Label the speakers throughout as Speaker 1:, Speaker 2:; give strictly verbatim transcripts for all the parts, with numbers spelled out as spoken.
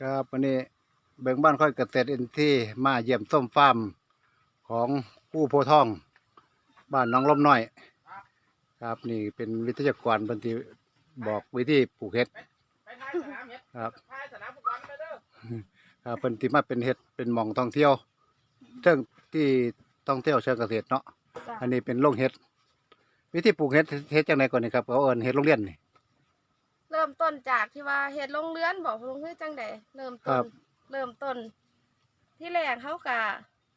Speaker 1: ครับวันนี้เบิ่งบ้านค่อยเกษตรอินทรีย์มาเยี่ยมส้มฟาร์มของผู้โพธิ์ทองบ้านน้องลมน้อยครับนี่เป็นวิทยากรบันทีบอกวิธีปลูกเห็ดครับครับเป็นที่มาเป็นเห็ดเป็นหม่องท่องเที่ยวเรื่องที่ท่องเที่ยวเชิงเกษตรเนาะอันนี้เป็นโรงเห็ดวิธีปลูกเห็ดเห็ดจังไดก่อนนี่ครับเขาเอิ้นเห็ดโรงเรียนนี่
Speaker 2: เริ่มต้นจากที่ว่าเฮ็ดโรงเรือนบอกลงคือจังไดเริ่มต้นเริ่มต้น ที่แรกเขาก็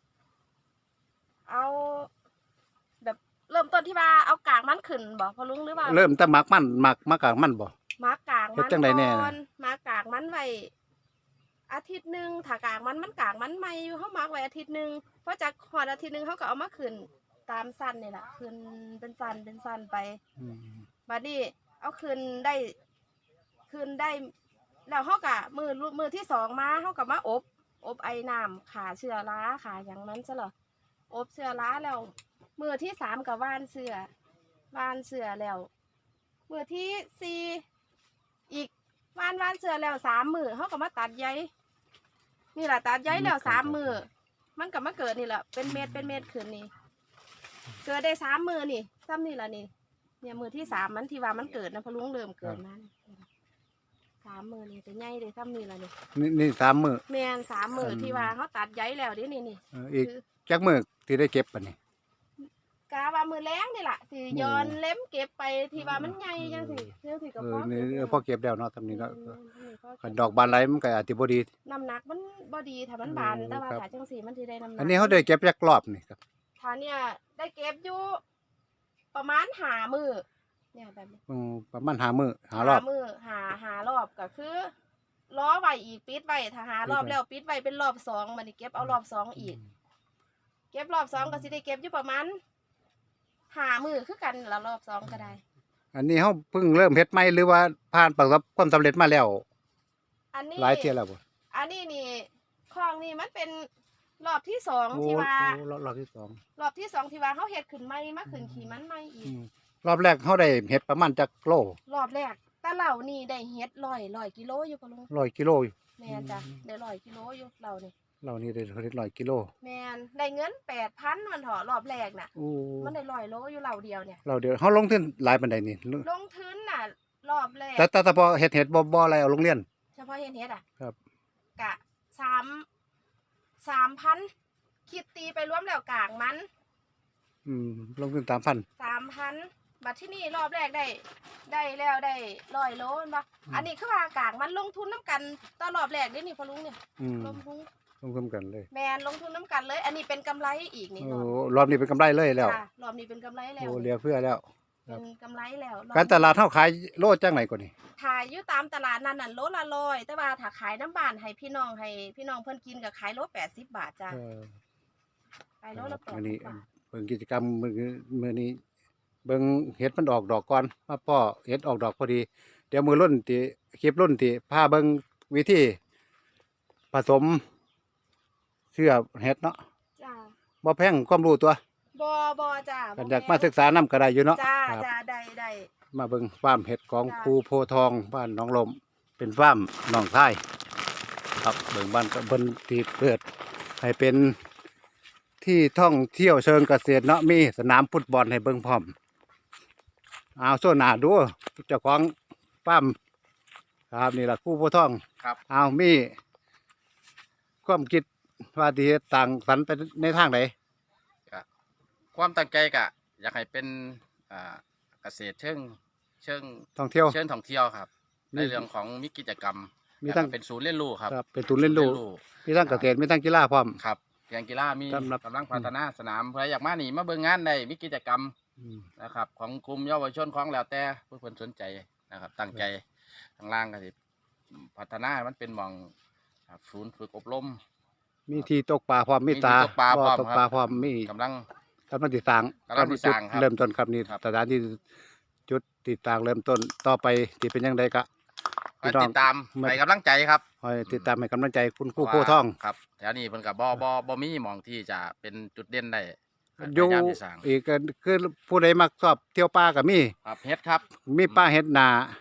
Speaker 2: เอาแบบเริ่มต้นที่ว่าเอากากมันขึ้นบอกพอลุงหรือว่า
Speaker 1: เริ่มแต่หมักมันหมักหมักกากมันบ่
Speaker 2: หมักกากมัน
Speaker 1: จังไดแน่
Speaker 2: หมักกากมันไว้อาทิตย์หนึ่งถ้ากากมันมันกากมันใหม่อยู่เขาหมักไว้อาทิตย์หนึ่งพอจากหอดอาทิตย์หนึ่งเขาก็เอามาขึ้นตามสั้นนี่แหละขึ้นเป็นสั้นเป็นสั้นไปบัดนี้เอาขึ้นได้ขึ้นได้แล้วเขากะมือมือที่สองมาเขากับมาอบอบไอ้น้ำขาเชื้อราขาอย่างนั้นใช่หรออบเชื้อราแล้วมือที่สามกับว่านเสือว่านเสือแล้วมือที่สี่อีกว่านว่านเสือแล้วสามมือเขากับมาตัดใยนี่แหละตัดใยแล้วสามมือมันกับมาเกิดนี่แหละเป็นเม็ดเป็นเม็ดขึ้นนี่เกิดได้สามมือนี่ซ้ำนี่แหละนี่เนี่ยมือที่สามมันที่ว่ามันเกิดนะพอลุงเริ่มเกิดมาสามมือนี่จะใหญ่เลยซ้ำนี่แหละนี่
Speaker 1: นี่นี่สามมือ
Speaker 2: แมนสามมือที่ว่าเขาตัดใยแล้วดินี่นี่
Speaker 1: อีกจักมือที่ได้เก็บป่ะนี่
Speaker 2: กาว่ามือแรงนี่แหละสิย้อนเล็มเก็บไปที่ว่ามันใหญ่ยังสิยังสิกับพ่อ
Speaker 1: นี่พอเก็บแล้วเนาะทำนี้เนาะดอกบานไรมันก็อาจจะบ่ดี
Speaker 2: น้ำหนักมันบ่ดีถ้ามันบานแต่ว่าถ้าจังสีมันที่ได้น้ำหนัก
Speaker 1: อันนี้เขาได้เก็บจักรอบนี่ครับ
Speaker 2: ถ้าเนี่ยได้เก็บอยู่ประมาณหามือเนี่ยแบบนี้
Speaker 1: ประมาณหามือหารอบ
Speaker 2: มือหาหารอบก็คือล้อไว้อีกปิดไว้ถ้าหารอบแล้วปิดไว้เป็นรอบสองมันนี่เก็บเอารอบสองอีกเก็บรอบสองก็สิได้เก็บอยู่ประมาณหามือคือกันละรอบสองก็ได้
Speaker 1: อันนี้เขาเพิ่งเริ่มเฮ็ดใหม่หรือว่าผ่านประสบความสำเร็จมาแล้ว
Speaker 2: อันนี้
Speaker 1: หลายเที่ยแล้วบ่
Speaker 2: อันนี้นี่คลองนี่มันเป็นรอบที่สองที่ว่
Speaker 1: ารอบที่สอง
Speaker 2: รอบที่สองที่ว่าเขาเฮ็ดขึ้นใหม่มาขึ้นขี่มันใหม่อีก
Speaker 1: รอบแรกเขาได้เฮ็ดประมาณจักโล
Speaker 2: รอบแรกแต่เหล่านี่ได้เฮ็ดร้อยร้อยกิโลอยู่ปะลุง
Speaker 1: ร้อยกิโลอยู่
Speaker 2: แม่จ้ะได้ร้อยกิโลอยู่เรานี่
Speaker 1: เรานี่ได้เฮ็ดร้อยกิโล
Speaker 2: แม่นได้เงินแปดพันมันเถอะรอบแรกน่ะมันได้ร้อยโลอยู่เราเดียวเนี่ย
Speaker 1: เราเดียวเขาลงทุนหลายปานใดนี่
Speaker 2: ลงทุนน่ะรอบแรก
Speaker 1: แต่แต่เฉพาะเฮ็ดเฮ็ดบ่บ่อะไรเอาโรงเรียน
Speaker 2: เฉพาะเฮ็ดเฮ็ดอ่ะ
Speaker 1: ครับ
Speaker 2: กะสามสามพันคิดตีไปรวมแล้วกลางมัน
Speaker 1: อืมลงทุนสามพัน
Speaker 2: สามพันบัดที่นี่รอบแรกได้ได้แล้วได้ร้อยโลนปะอันนี้คือว่ากลางมันลงทุนน้ำกันตอนรอบแรกนี่นี่พอลุงเนี่ยลงทุน
Speaker 1: ลงทุนกันเลย
Speaker 2: แมนลงทุนน้ำกันเลยอันนี้เป็นกำไรอีกนี่
Speaker 1: โอ้รอบนี้เป็นกำไรเลยแล้ว
Speaker 2: รอบนี้เป็นกำไรแล้ว
Speaker 1: โอ้เหลือเพื่อแล้ว
Speaker 2: เป็นกำไรแล้ว
Speaker 1: การตลาดเท่าขายโลจังไหนก่อนนี่
Speaker 2: ขายอยู่ตามตลาดนั่นน่ะโลละร้อยแต่ว่าถ้าขายน้ำบานให้พี่น้องให้พี่น้องเพิ่นกินก็ขายโลแปดสิบบาทจ้ะขายโลละแปดสิบบาท
Speaker 1: เบิ่งกิจกรรมมื้อมื้อนี้เบิ่งเห็ดมันออกดอกก่อนมาพ่อเห็ดออกดอกพอดีเดี๋ยวมือรุ่นที่คลิปรุ่นที่พาเบิ่งวิธีผสมเสื้อเห็ดเนาะ
Speaker 2: จ้า
Speaker 1: บ่แพงความรู้ตัว
Speaker 2: บ่บ่จ้า
Speaker 1: อยากมาศึกษานำก็ได้อยู่เนาะ
Speaker 2: จ้าจ้าได้ได้
Speaker 1: มาเบิ่งฟาร์มเห็ดของครูโพทองบ้านหนองลมเป็นฟาร์มหนองทายครับเบิ่งบ้านก็เบิ่นที่เปิดให้เป็นที่ท่องเที่ยวเชิงเกษตรเนาะมีสนามฟุตบอลให้เบิ่งพร้อมเอาโซน่าดูเจ้าของฟาร์มครับนี่แหละครูโพทอง
Speaker 3: ครับ
Speaker 1: เอามีความคิดว่าที่ต่างสรรไปในทางไหน
Speaker 3: ความตั้งใจกะอยากให้เป็นเกษตรเชิงเชิง
Speaker 1: ท่องเที่ยว
Speaker 3: เชิงท่องเที่ยวครับในเรื่องของมีกิจกรรม
Speaker 1: มีทั้ง
Speaker 3: เป็นศูนย์เรียนรู้ครับ
Speaker 1: เป็นศูนย์เรียนรู้มีทั้งเกษตรมีทั้งกีฬาพร้อม
Speaker 3: ครับอย่างกีฬามีกำลังพัฒนาสนามเพื่ออยากมาหนีมาเบิ่งงานได้มีกิจกรรมนะครับของกลุ่มเยาวชนของแล้วแต่ผู้คนสนใจนะครับตั้งใจทางล่างก็สิพัฒนามันเป็นหม่องศูนย์ฝึกอบรม
Speaker 1: มีที่ตกปลาพร้อมมีตา
Speaker 3: ตกปลาพร้อม
Speaker 1: ตกปลาพร้อมมี
Speaker 3: กำลัง
Speaker 1: กำลังติดตั้ง
Speaker 3: กำลังติดตั้ง
Speaker 1: เริ่มต้นครับนี่สถานที่จุดติดตั้งเริ่มต้นต่อไปที่เป็นยังไงก็
Speaker 3: ติดตามให้กำลังใจครับ
Speaker 1: ติดตามให้กำลังใจคุณครูโพทอง
Speaker 3: ครับแถวนี้เพิ่นกับบ่บ่บ่มีหม่องที่จะเป็นจุดเด่นได้
Speaker 1: อยู่อีกคือผู้ใดมักชอบเที่ยวป่าก็มี
Speaker 3: ครับเฮ็ดครับ
Speaker 1: มีป่าเฮ็ดนา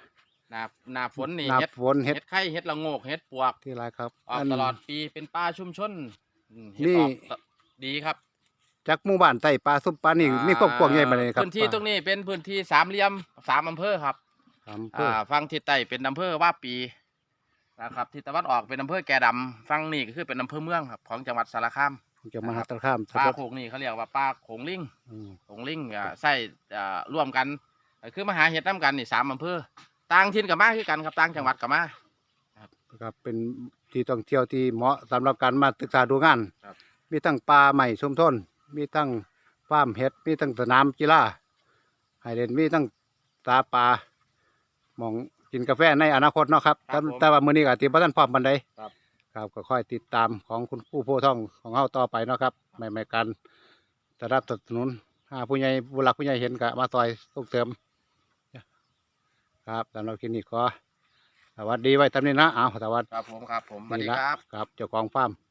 Speaker 3: หน้าหน้าฝนนี่
Speaker 1: หน้า
Speaker 3: เฮ็ด
Speaker 1: ฝนเฮ็ด
Speaker 3: เฮ็ดไข่เฮ็ดละโงกเฮ็ดปวก
Speaker 1: ที่ไรครับ
Speaker 3: ออกตลอดปีเป็นป่าชุมชนอืมเฮ็ด
Speaker 1: นี่
Speaker 3: ออกดีครับ
Speaker 1: จากหมู่บ้านใต้ปลาซุปปลานี่
Speaker 3: อ่ามี
Speaker 1: มีความกว้างใหญ่ปานใดครับ
Speaker 3: พื้นที่ตรงนี้เป็นพื้นที่สามเหลี่ยมสามอำเภอครับ
Speaker 1: อำเภอ
Speaker 3: อ่าฝั่งทิศใต้เป็นอำเภอว่าปีนะครับทิศตะวันออกเป็นอำเภอแก่ดำฝั่งนี้ก็คือเป็นอำเภอเมืองครับของจังหวัดสารคาม
Speaker 1: จะมหาสารคาม
Speaker 3: ปลาโขงนี่เขาเรียกว่าปลาโขงลิง
Speaker 1: อืม
Speaker 3: โขงลิงอ่าใส่อ่าร่วมกันก็คือมาหาเห็ดน้ำกันนี่สามอำเภอต่างถิ่นกับมาคือกันครับต่างจังหวัดกับมา
Speaker 1: ครับเป็นที่ท่องเที่ยวที่เหมาะสำหรับการมาศึกษาดูงาน
Speaker 3: ครับ
Speaker 1: มีทั้งป่าใหม่ชุมชนมีทั้งฟาร์มเห็ดมีทั้งสนามกีฬาให้เล่นมีทั้งตาปลาหมองกินกาแฟในอนาคตเนาะครับ
Speaker 3: ครับ
Speaker 1: แต่
Speaker 3: ผม
Speaker 1: แต่ว่ามื้อนี้ก็ติบ่ทันพร้อมปานใด
Speaker 3: ครับ
Speaker 1: ครับก็ค่อยติดตามของคุณครูโพธิ์ทองของเฮาต่อไปเนาะครับไม่ไม่การสนับสนุนถ้าผู้ใหญ่ผู้หลักผู้ใหญ่เห็นก็มาซอยส่งเสริมครับสำหรับคลิปนี้ขอสวัสดีไว้ตามนี้นะเอาสวัสดี
Speaker 3: ครับผมครับผมสวัสดี
Speaker 1: นี่ละ
Speaker 3: ครับ
Speaker 1: ครับเจ้าของฟาร์ม